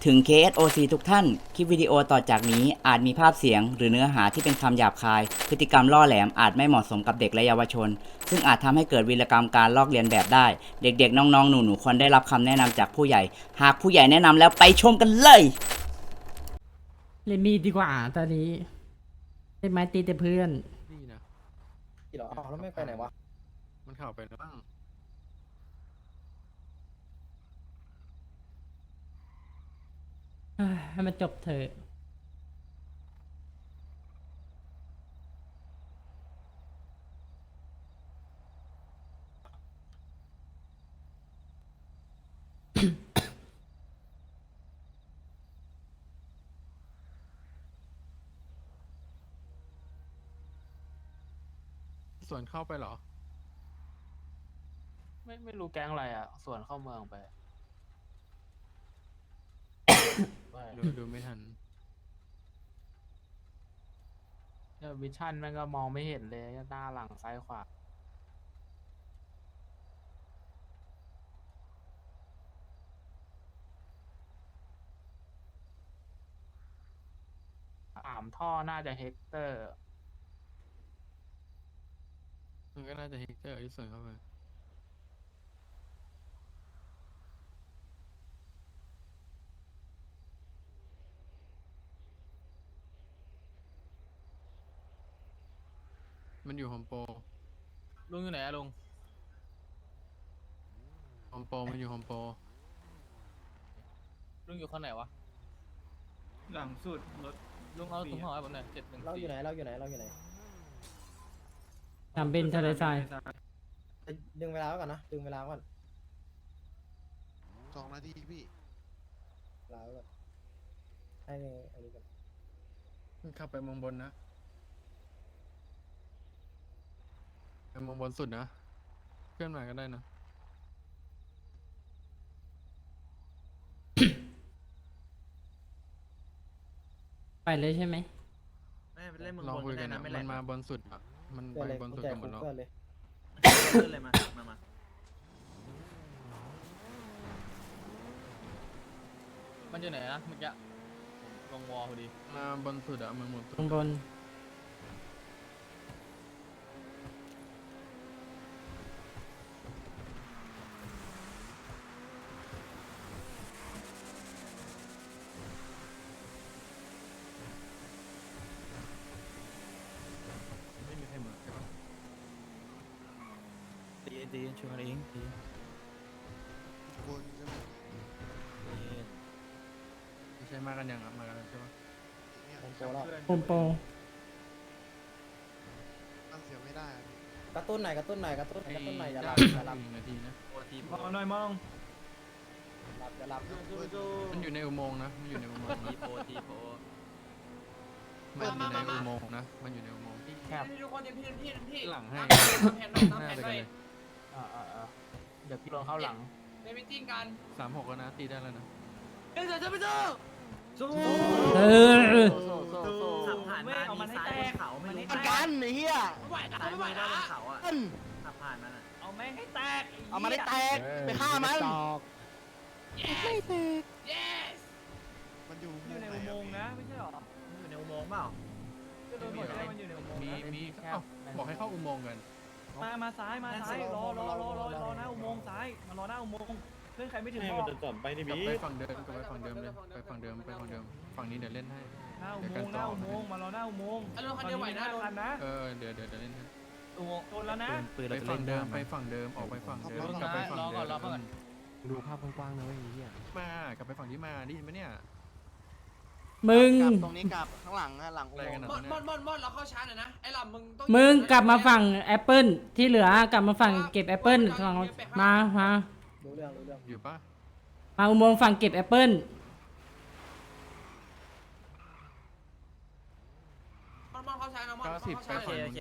ถึง KSOC ทุกท่าน คลิปวิดีโอต่อจากนี้อาจมีภาพเสียงหรือเนื้อหาที่เป็นคำหยาบคาย พฤติกรรมล่อแหลมอาจไม่เหมาะสมกับเด็กและเยาวชน ซึ่งอาจทำให้เกิดวีรกรรมการลอกเลียนแบบได้ เด็กๆ น้องๆ หนูๆ ควรได้รับคำแนะนำจากผู้ใหญ่ หากผู้ใหญ่แนะนำแล้วไปชมกันเลยเล่นมีดดีกว่าตอนนี้เล่นไม้ตีแต่เพื่อนนี่นะกี่หรออ้าวแล้วไม่ไปไหนวะมันเข่าไปแล้วบ้างให้มันจบเถอะส่วนเข้าไปเหรอไม่รู้แก๊งอะไรอ่ะ ส่วนเข้าเมืองไปดูไม่ทันเนี่ยวิชั่นแม่งก็มองไม่เห็นเลยหน้าหลังซ้ายขวา3 ท่อน่าจะเฮกเตอร์มันก็น่าจะเฮกเตอร์ที่ส่วนเข้าไปมันอยู่โฮมโปรลุงอยู่ไหนอะลุงโฮมโปรมันอยู่โฮมโปรลุงอยู่ข้างไหนวะหลังสุดรถลุงเอาถุงห่อให้ผมหน่อย714 เราอยู่ไหนเราอยู่ไหนเราอยู่ไหนทำเป็นทะเลทรายดึงเวลาไว้ก่อนนะดึงเวลาไว้ก่อน 2 นาทีพี่เวลาไว้ก่อนให้อันนี้ก่อนมันขับไปเมืองบนนะไปเมืองบนสุดนะ เพื่อนมาก็ได้นะไปเลยใช่ไหมไม่ไปเล่นเมืองลองบนคุยก็กัได้นนะนะไม่มัแรนงมาบนสุดอ่ะ มันเพื่อไปนเลยบนกุสุญดแจกันหมคุดกแล้วเพื่อนเลยขึ้นเลยมามันอยู่ไหนนะเมื่อกี้ลงวอลพอดีมาบนสุดอ่ะเมืองบนสุดข้างบนไม่มีใครเหมือนใช่ปะดีช่วยกันเองดีบนใช่ไหมไม่ใช่มากันยังอ่ะมากันใช่ปะเนี่ยผมโตแล้วโฮมโปรตั้งเสียไม่ได้อะพี่กระตุ้นหน่อยกระตุ้นหน่อยกระตุ้นกระตุ้นหน่อยอย่าหลับได้อย่าหลับ 1 นาทีนะมองหน่อยมองอย่าหลับมันอยู่ในอุโมงค์นะ มันอยู่ในอุโมงค์นะทีโปมันอยู่ในอุโมงค์นะ มันอยู่ในอุโมงค์แคบทุกคนพี่หลังให้แผนหน้าแผนไปหกัน่นอยเลยเดี๋ยวพี่ลงเข้าหลังในมิติ้งกัน 36แล้วนะ ตีได้แล้วนะเฮ้ยเดี๋ยวจะไปเจอเออขับผ่านมาเอามันให้แตกเขาไม่รู้กันไอ้เหี้ยไม่ไหวนะซ้ายไม่ไหวมือนะด้านเขาอ่ะขับผ่านมันอ่ะเอาแม่งให้แตกเอามาได้แตก ไปฆ่ามัน yes มันอยู่อยู่ในอุโมงค์นะไม่ใช่หรออยู่ในอุโมงค์เปล่าก็โดนหมดเลยมันอยู่ในอุโมงค์มีนะมีเอ้าบอกให้เข้าอุโมงค์กันมาซ้ายรอหน้าอุโมงค์ซ้ายมารอหน้าอุโมงค์เพื่อนใครไม่ถึงบอกกลับไปฝั่งเดิมกลับไปฝั่งเดิมเลย ไปฝั่งเดิม ไปฝั่งเดิม ฝั่งนี้เดี๋ยวเล่นให้หน้าอุโมงค์มารอหน้าอุโมงค์อารมณ์คันเดียวไหวนะโดนคันนะเดี๋ยวเล่นให้อุโมงค์โดนแล้วนะไปฝั่งเดิม ไปฝั่งเดิม ออกไปฝั่งเดิม กลับไปฝั่งเดิมดูภาพกว้างๆนะเว้ยไอ้เหี้ยมากลับไปฝั่งที่มาได้ยินไหมเนี่ยมึงกลับตรงนี้กลับข้างหลังอะหลังอุอะไรโมกันงค์อะมอนเราเข้าช้าหน่อยนะไอ้ลำมึงต้องมึงกลับมาฝั่งแอปเปิลที่เหลือกลับมาฝั่งเก็บแอปเปิลฝั่งมารู้เรื่องรู้เรื่องอยู่ปะมาอุโมงค์ฝั่งเก็บแอปเปิลมอนเข้าช้านะมอน 90 ไปเข้าช้าฝั่งเลยนู้น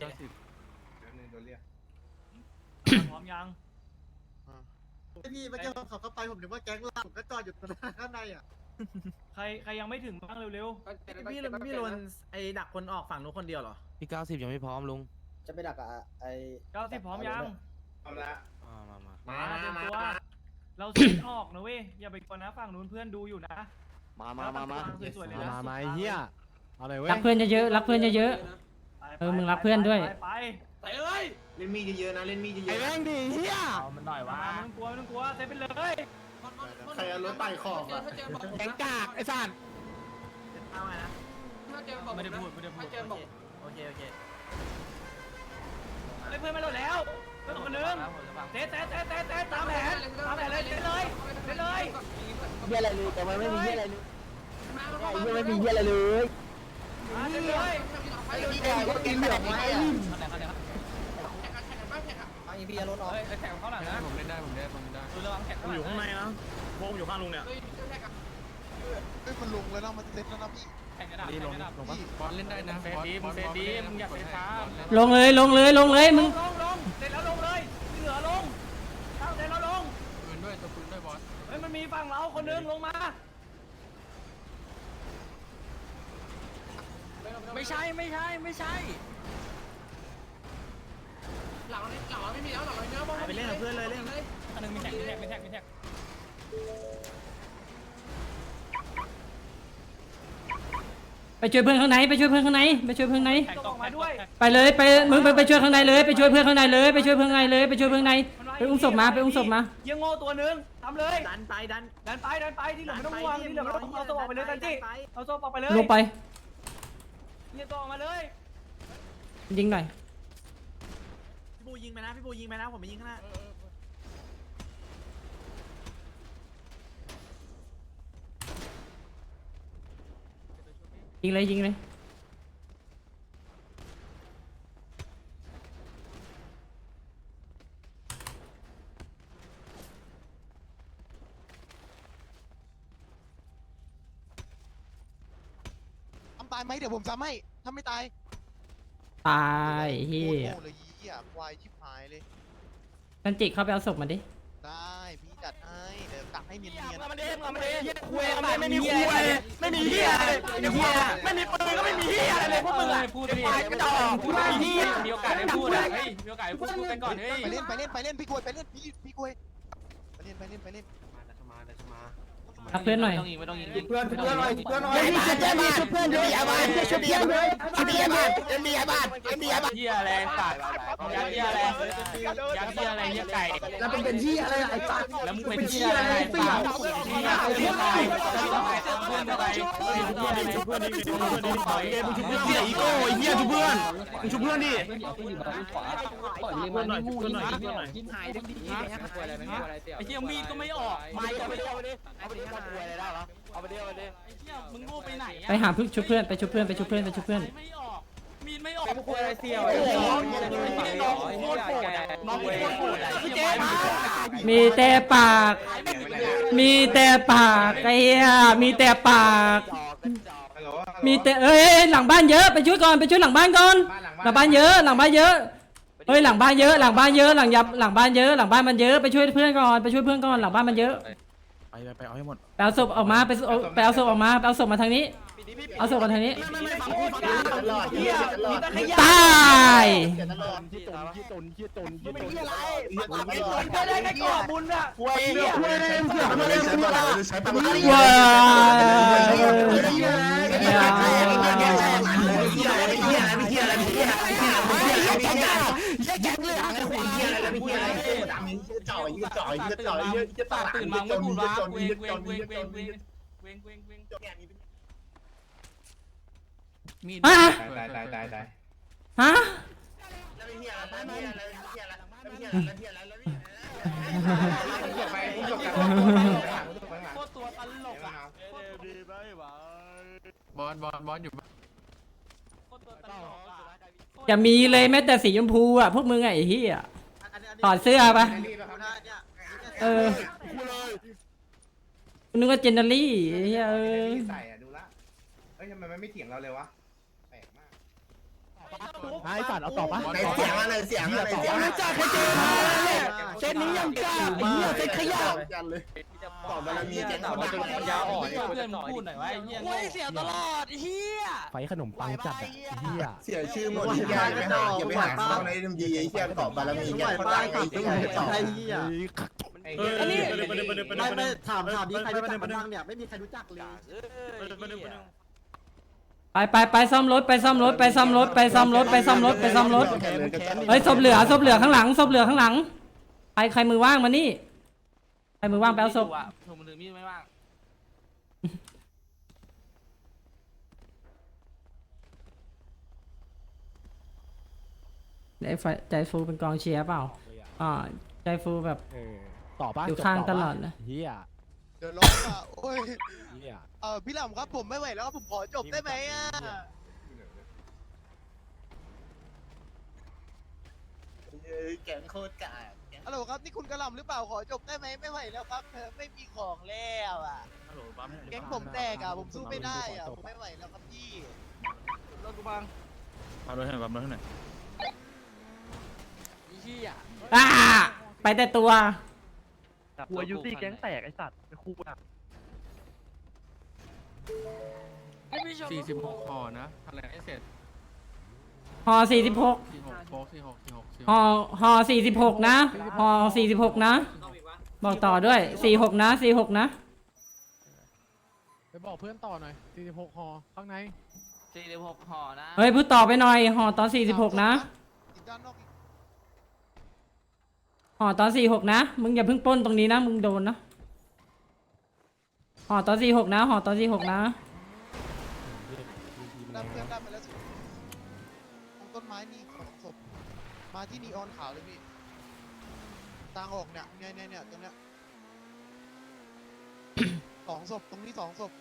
90 พร้อมยังพี่เมื่อกี้เขาเข้าไปผมนึกว่าแก๊งเราผมก็จอดอยู่ตรงนั้นข้างในอ่ะใครยังไม่ถึงบ้างเร็วพี่โดนไอ้ดักคนออกฝั่งนู้นคนเดียวเหรอพี่90ยังไม่พร้อมลุงจะไปดักอะไอ้ 90พร้อมยังมามาเตรียมตัวเราซีดออกนะเว้ยอย่าไปกวนนะฝั่งนู้นเพื่อนดูอยู่นะสวยๆเลยนะมาไอ้เหี้ยเอาเลยเว้ยรักเพื่อนเยอะๆรักเพื่อนเยอะ เออมึงรักเพื่อนด้วยไปแต่เอ้ยเล่นมีดเยอะๆนะเล่นมีดเยไอ้อะแม่งดิเหี้ยเอามันหน่อยๆว่าไม่ต้องกลัวไม่ต้องกลัวเซฟไปเลยใครเอารถไต่ขอบอ่ะถ้าเจอบอกแข็งกากไอ้สัตว์ถ้าเจอบอกไม่ได้พูดไม่ได้พูถ้าดเจอบอกโอเคเพื่อนมาโดดแล้วเพื่อนคนนึงเตะตามแผนเลยเตะเลยเหี้ยอะไรเลยแต่มันไม่มีเหี้ยอะไรเลยไม่มีเหี้ยอะไรเลยมาเตะเลยไอ้พี่แดงก็กินเหลืองไว้อะแข่งกันบ้างแข่งกันไอ้พี่รถออกแข่งเขาหลังนะผมเล่นได้ผมเล่นได้ดูระวังแข่งอยู่ข้างในนะโค้งอยู่ข้างลุงเนี่ยเฮ้ยแข่งกันเฮ้ยมันลงแล้วนะมันเซ็ตแล้วนะพี่แข่งกระดาษนี่ลงลงปะบอลเล่นได้นะเฟรดีมึงเฟรดีมึงอย่าเฟรช้าลงเลยมึงลงเสร็จแล้วลงเลยเหลือลงตั้งเสร็จแล้วลงปืนด้วยตัวปืนด้วยบอสเฮ้ยมันมีฝั่งเราคนนึงลงมาไม่ใช่หลังไม่มีแล้วหลังเยอะมากไปเล่นกับเพื่อนเลยเล่นอันนึงมีแท็กไปช่วยเพื่อนข้างในไปช่วยเพื่อนข้างในแท็กตกมาด้วยไปเลยไปมึงไปช่วยข้างในเลยไปช่วยเพื่อนข้างในเลยไปช่วยเพื่อนข้างในเลยไปช่วยเพื่อนข้างในไปอุ้มศพมายังโง่ตัวนึงทำเลยดันไปที่เหลือไม่ต้องห่วงที่เหลือไม่ต้องเอาตัวออกไปเลยกันจิเอาตัวออกไปเลยลงไปเนี่ยตัวออกมาเลยยิงหน่อยพี่บูยิงไปนะผมไปยิงข้างหน้ายิงเลยทำตายไหมเดี๋ยวผมซ้ำให้ถ้าไม่ตายตายเฮียโง่เลยเหี้ยควายชิบหายเลยกันจิเข้าไปเอาศพมาดิได้พี่จัดให้เดี๋ยวตักให้เนียนๆคุยไม่มีคุยไม่มีเหี้ยไม่มีปืนก็ไม่มีเหี้ยอะไรเลยพวกมึงอะพูดดิกระจอกพูดไม่เหี้ยมีโอกาสได้พูดอ่ะเฮ้ยมีโอกาสได้พูดกันก่อนเฮ้ยไปเล่นพี่กวยไปเล่นพี่กวยไปเล่นรักเพื่อนหน่อยเพื่อนหน่อยมีชุดเพื่อนมีชุดเพื่อนด้วยชุดเพื่อนด้วยชุดเพื่อนมียาบ้านเหี้ยอะไรสัตว์ยัดเหี้ยอะไรยัดเหี้ยอะไรเหี้ยไก่แล้วเป็นที่อะไรไอ้สัตว์แล้วมึงเป็นเหี้ยอะไรสัตว์เหี้ยอะไรเพื่อนอะไรเพื่อนอะไรเพื่อนดีต่อยมึงชุบเพื่อนเหี้ยอีโก้เหี้ยชุบเพื่อนมึงชุบเพื่อนดิไอ้เหี้ยมีดก็ไม่ออกไม่ก็ไม่ออกไอ้เหี้ยมึงโง่ไปไหนไปหาชุบเพื่อนไปชุบเพื่อนไม่ออกมีดไม่ออกคุยอะไรเสี่ยวน้องโคตรโหดไอ้เจ๊มามีแต่ปากไอ้เหี้ยมีแต่ปากมีแต่เอ้ยหลังบ้านเยอะไปช่วยก่อนไปช่วยหลังบ้านก่อนหลังบ้านเยอะเฮ้ยหลังบ้านเยอะหลังบ้านมันเยยอะไปช่วยเพื่อนก่อนหลังบ้านมันเยอะไปเอาให้หมดไปเอาศพออกมาไปเอาศพออกมาไปเอาศพมาทางนี้เอาศพมาทางนี้ตายที่ตนก็ได้ไม่ก่อบุญอ่ะว้ายตื่นมาไม่พูดว่าเวงฮะตายฮะโคตรตัวตลกอ่ะบอสอยู่โคตรตัวตลกอ่ะอย่ามีเลยแม้แต่สีชมพูอ่ะพวกมึงไอ้เหี้ยถอดเสื้อปะเออนึกว่าเจนเนอรี่ไอ้เหี้ยใส่อะดูละเฮ้ยทำไมมันไม่เถียงเราเลยวะแปลกมากไอ้สัตว์เอาต่อปะเสียงอะไรจากใครเจอมาเส้นนี้ยังกล้าไอ้เหี้ยเส้นขยะกันเลยต่อบารมีเจ้าต่อบารมียาอ่อนเพื่อนพูดหน่อยว่าไอ้เหี้ยเสียตลอดเฮียไฟขนมปังจัดเหี้ยเสียชื่อหมดอย่าไปหาเข้าในดีไอ้เหี้ยต่อบารมีแกเขาได้ไอ้เหี้ยไอ้เหี้ยอันนี้ไม่ถามดิใครรู้จักบ้างเนี่ยไม่มีใครรู้จักเลยไปซ่อมรถไปซ่อมรถไปซ่อมรถไปซ่อมรถไปซ่อมรถไปซ่อมรถเฮ้ยศพเหลือข้างหลังศพเหลือข้างหลังใครมือว่างมานี่ใครมือว่างไปเอาศพถูกมือถือมีดไม่ว่างใจฟูเป็นกองเชียร์เปล่าใจฟูแบบต่อป้าอยู่ข้างตลอดเลยเฮียเดี๋ยวร้องอ่ะโอ้ยเฮียพี่หลำครับผมไม่ไหวแล้วผมขอจบได้ไหมอ่ะแกงโคตรกากฮัลโหลครับนี่คุณกระหล่ำหรือเปล่าขอจบได้ไหมไม่ไหวแล้วครับไม่มีของแล้วอ่ะแก๊งผมแตกอ่ะผมสู้ไม่ได้อ่ะผมไม่ไหวแล้วครับพี่รถกูบังเอารถให้หน่อยรถให้หน่อยไปแต่ตัวหัวยูซี่แก๊งแตกไอ้สัตว์ไอ้คู่อ่ะ 46ห่อนะทำอะไรให้เสร็จห่อ46 46โฟก46 ห่อ46นะห่อ46นะบอกต่อด้วย46นะ46นะไปบอกเพื่อนต่อหน่อย46ห่อข้างใน 46ห่อนะเฮ้ยพูดต่อไปหน่อยห่อตอน46นะอีกด้านนอกอีกห่อตอน46นะมึงอย่าเพิ่งปล้นตรงนี้นะมึงโดนนะห่อตอน46นะห่อตอน46นะด้านเพื่อนด้านไปแล้วสิตรงต้นไม้นี่ของศพมาที่นีออนขาวเลยพี่ทางออกเนี่ยเนี่ยตรงเนี้ย 2 ศพตรงนี้2 ศพ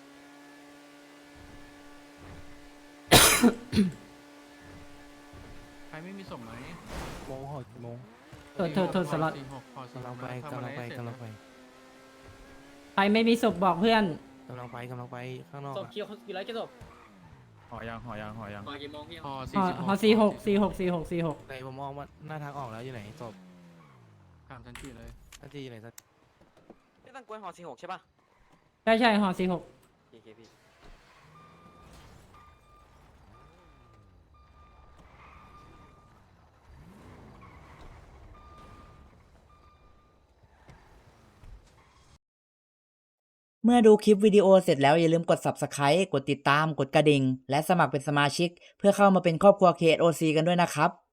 ใครไม่มีศพไหมโมงห่อโมงโทษสล็อต 46ห่อกำลังไปกำลังไปกำลังไปใครไม่มีศพบอกเพื่อนกำลังไปข้างนอกศพเคียวกี่ไรกี่ศพห่อยังมากี่โมงพี่ห่อห่อ46 ไหนผมมองว่าหน้าทางออกแล้วอยู่ไหนศพถามทันทีเลยทันทีอยู่ไหนสักไม่ต้องกวนห่อ46ใช่ป่ะใช่ห่อ46 โอเคพี่เมื่อดูคลิปวิดีโอเสร็จแล้วอย่าลืมกด Subscribe กดติดตาม กดกระดิ่ง และสมัครเป็นสมาชิก เพื่อเข้ามาเป็นครอบครัว KSOC กันด้วยนะครับ